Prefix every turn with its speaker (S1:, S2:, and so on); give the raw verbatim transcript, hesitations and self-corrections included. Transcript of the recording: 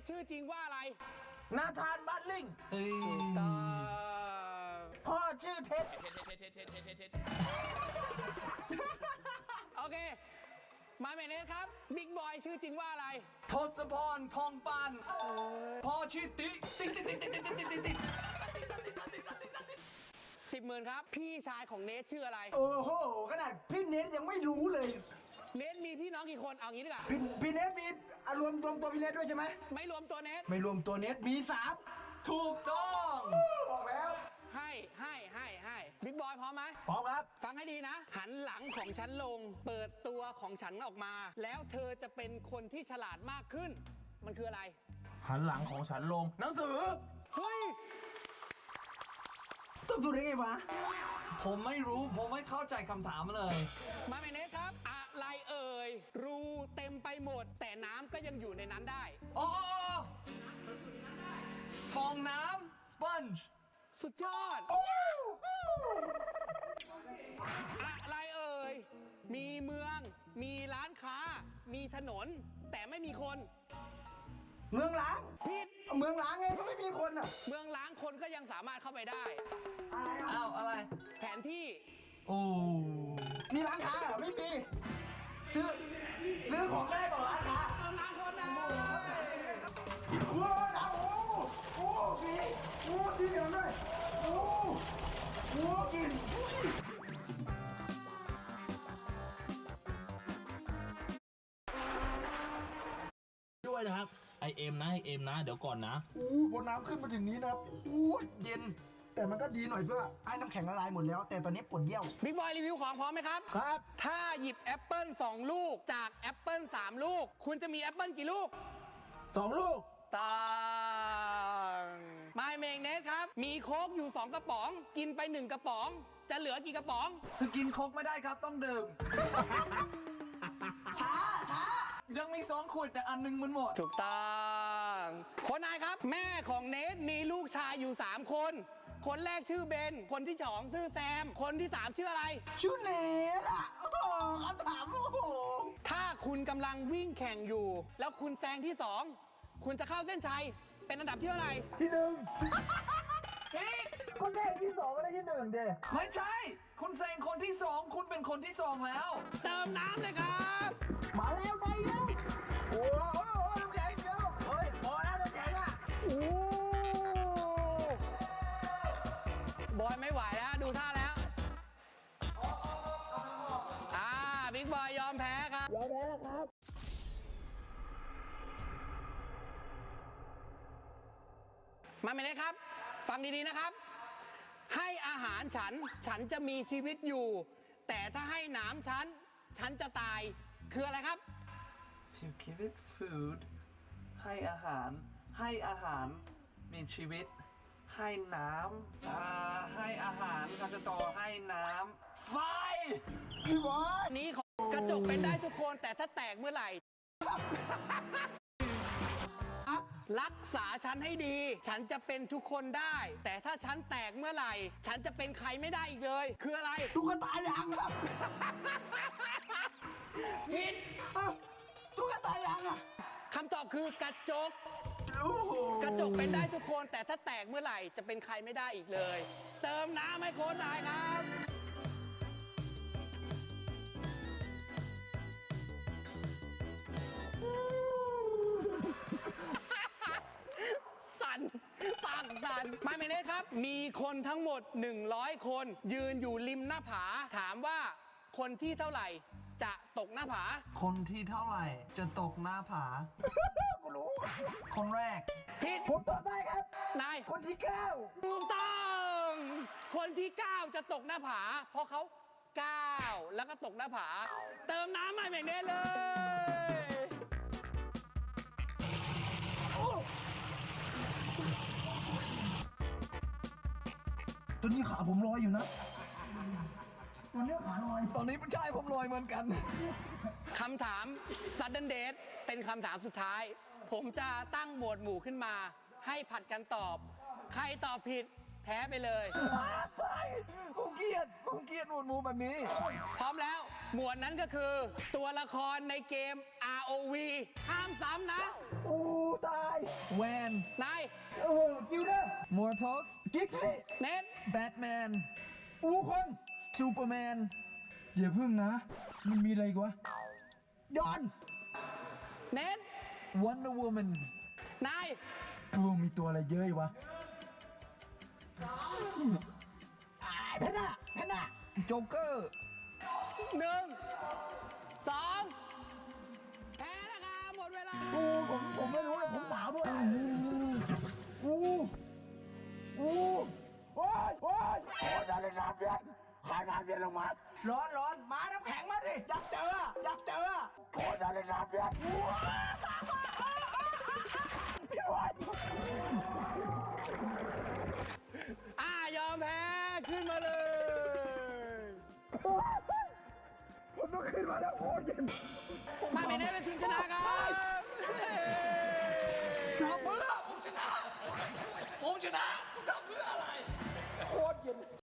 S1: ชื่อจริงว่าอะไร
S2: นาธานบัตลิง
S1: ถูกต้อง
S2: พ่อชื่อเท็ด
S1: โอเคมาเมเนสครับบิ๊กบอยชื่อจริงว่าอะไร
S3: ทศพรพองปานพ่อชื่อติ๊กติ๊กติ๊กติ๊กติ๊กติ๊กติ๊กติ๊ก
S1: สิบหมื่นครับพี่ชายของเนทชื่ออะไร
S2: โอ้โหขนาดพี่เนทยังไม่รู้เลย
S1: เนทมีพี่น้องกี่คนเอางี้ดีกว่า
S2: พี่พี่เนทมีอารวมรวมตัวพี่เนทด้วยใช่ไหม
S1: ไม่รวมตัวเนท
S2: ไม่รวมตัวเนทมีสาม
S3: ถูกต้อง
S2: บอกแล้ว
S1: ให้ให้ให้ให้บิ๊กบอยพร้อมไหม
S2: พร้อมครับ
S1: ฟังให้ดีนะหันหลังของฉันลงเปิดตัวของฉันออกมาแล้วเธอจะเป็นคนที่ฉลาดมากขึ้นมันคืออะไร
S2: หันหลังของฉันลงหนังสือ
S1: เฮ้ย
S2: ต้องดูได้ไงวะ
S3: ผมไม่รู้ผมไม่เข้าใจคำถามเลย
S1: มาเมเนสครับอะไรเอ่ยรูเต็มไปหมดแต่น้ำก็ยังอยู่ในนั้นได้
S3: อ๋อฟองน้ำสปอนจ์
S1: สุดยอดอะไรเอ่ยมีเมืองมีร้านค้ามีถนนแต่ไม่มีคน
S2: เมืองล้าง
S1: ผิด
S2: เมืองล้างไงก็ไม่มีคนอ่ะ
S1: เมืองล้างคนก็ยังสามารถเข้าไปได้
S2: อะไรอ่ะ
S3: อ้าวอะไร
S1: แผนที่
S3: โอ้
S2: มีร้านค้าเหรอไม่มีซื้อซื้อของได้บอกร้านค้า
S1: เมืองล้างคนได้
S2: โอ้ดาวโอ้โอ้มีโอ้ดีเดียวด้วยโอ้โอ้กิน
S3: ด้วยนะครับไอเอ็มนะไอเอ็มนะเดี๋ยวก่อนนะ
S2: โอ้บนน้ำขึ้นมาถึงนี้นะครับโอ้เย็นแต่มันก็ดีหน่อยเพื่อไอ้น้ำแข็งละลายหมดแล้วแต่ตอนนี้ปวดเยี่ยว
S1: บิ๊กบอยรีวิวของพร้อมไหมครับ
S2: ครับ
S1: ถ้าหยิบแอปเปิลสองลูกจากแอปเปิลสามลูกคุณจะมีแอปเปิลกี่ลูก
S2: สองลูก
S1: ต้องมาเมงเนสครับมีโค้กอยู่สองกระป๋องกินไปหนึ่งกระป๋องจะเหลือกี่กระป๋อง
S3: คือกินโค้กไม่ได้ครับต้องดื่ม
S2: ช้าช้า
S3: ยังมีสองขวดแต่อันนึงมันหมด
S1: ถูกต้องคนนายครับแม่ของเนทมีลูกชายอยู่สามคนคนแรกชื่อเบนคนที่สองชื่อแซมคนที่สามชื่ออะไร
S2: ชื่อเนทอ่ะโอ้โหคำถามโอ้โห
S1: ถ้าคุณกำลังวิ่งแข่งอยู่แล้วคุณแซงที่สองคุณจะเข้าเส้นชัยเป็นอันดับที่เท่าไหร่
S2: ที่หนึ่งพี่คนแรกที่สองไม่ได้ที่หนึ่งเด้
S3: ไม่ใช่คุณแซงคนที่สองคุณเป็นคนที่สองแล้ว
S1: เติมน้ำเลยครับ
S2: มาแล้วไปแล้วโอ้โหน้ำแข็งเดียวเฮ้ยพอแล้วน้ำแข็งอ่ะ
S1: โอ้บอยไม่ไหวแล้วดูท่าแล้วอ่าบิ๊กบอยยอมแพ้ครับ
S2: ยอมแพ้แล้วครับ
S1: มาไม่ได้ครับฟังดีๆนะครับให้อาหารฉันฉันจะมีชีวิตอยู่แต่ถ้าให้หนามฉันฉันจะตายคืออะไรครับ
S3: To give it food ให้อาหารให้อาหารมีชีวิตให้น้ำอ่าให้อาหารก็จะต่อให้น้ำไฟ
S2: พี่บอส
S1: นี้ของกระจกเป็นได้ทุกคนแต่ถ้าแตกเมื่อไหร่รักษาฉันให้ดีฉันจะเป็นทุกคนได้แต่ถ้าฉันแตกเมื่อไหร่ฉันจะเป็นใครไม่ได้อีกเลยคืออะไร
S2: ตุ๊กตายางครับ
S1: ผิด
S2: ตุ๊กตายางอะ
S1: คำตอบคือกระจกกระจกเป็นได้ทุกคนแต่ถ้าแตกเมื่อไหร่จะเป็นใครไม่ได้อีกเลยเติมน้ำให้โค้ชนายครับสั่นปากสั่นไม่ไม่เนสครับมีคนทั้งหมดหนึ่งร้อยคนยืนอยู่ริมหน้าผาถามว่าคนที่เท่าไหร่จะตกหน้าผา
S3: คนที่เท่าไหร่จะตกหน้าผา
S2: กูรู้
S3: คนแรก
S1: ผิด
S2: ผมตอบได้ครับ
S1: นาย
S2: คนที่เก้า
S1: ถูกต้องคนที่เก้าจะตกหน้าผาเพราะเขาเก้าแล้วก็ตกหน้าผาเติมน้ำให้แบบนี้เลย
S2: ตัวนี้ขาผมลอยอยู่นะตัวนี้ขาลอย
S3: ตอนนี้ผู้ชายผมลอยเหมือนกัน
S1: คำถาม Sudden Death เป็นคำถามสุดท้ายผมจะตั้งหมวดหมู่ขึ้นมาให้ผัดกันตอบใครตอบผิดแพ้ไปเลย
S3: ผมเกลียดผมเกลียดหมวดหมู่แบบนี้
S1: พร้อมแล้วหมวดนั้นก็คือตัวละครในเกม อาร์ โอ วี ห้ามซ้ำนะ
S2: โอ้ตาย
S3: แวน
S1: นาย
S2: โอ้กิวเดอร์
S3: มอร์ทัส
S2: กิ๊กซี่
S1: เน็ต
S3: แบทแมน
S2: อูคง
S3: ซูเปอร์แมน
S2: เดี๋ยวพึ่งนะ มันมีอะไรอีกวะดอน
S1: เน็ต
S3: วันเดอร์วูแมน
S1: นาย
S2: กูมีตัวอะไรเยอะอีกวะแพนด้าแพนด้า
S3: โจ๊กเกอร์
S1: หนึ่งสองแพ้นะครับหมดเวลา
S2: โอ้ผมผมไม่รู้เลยผมหนาวด้วยโอ้โอ้โอ้ยโอ้ยโอ้ยอะไรน้ำเย็นขายน้ำเย็นลงมา
S3: ร้อนร้อนมาน้ำแข็งมาดิ อยากเจอ อยากเจอ
S2: โอ้ยอะไรน้ำเย็นพี่วาย
S1: อ่ายอมแพ้ขึ้นมาเลย
S2: ผมต้องขึ้นมาแล้วโอ้ยเย็น
S1: มาไม่ได้เป็นทีมชนะครับ
S3: ทำเพื่อผมชนะ ผมชนะคุณทำเพื่ออะไร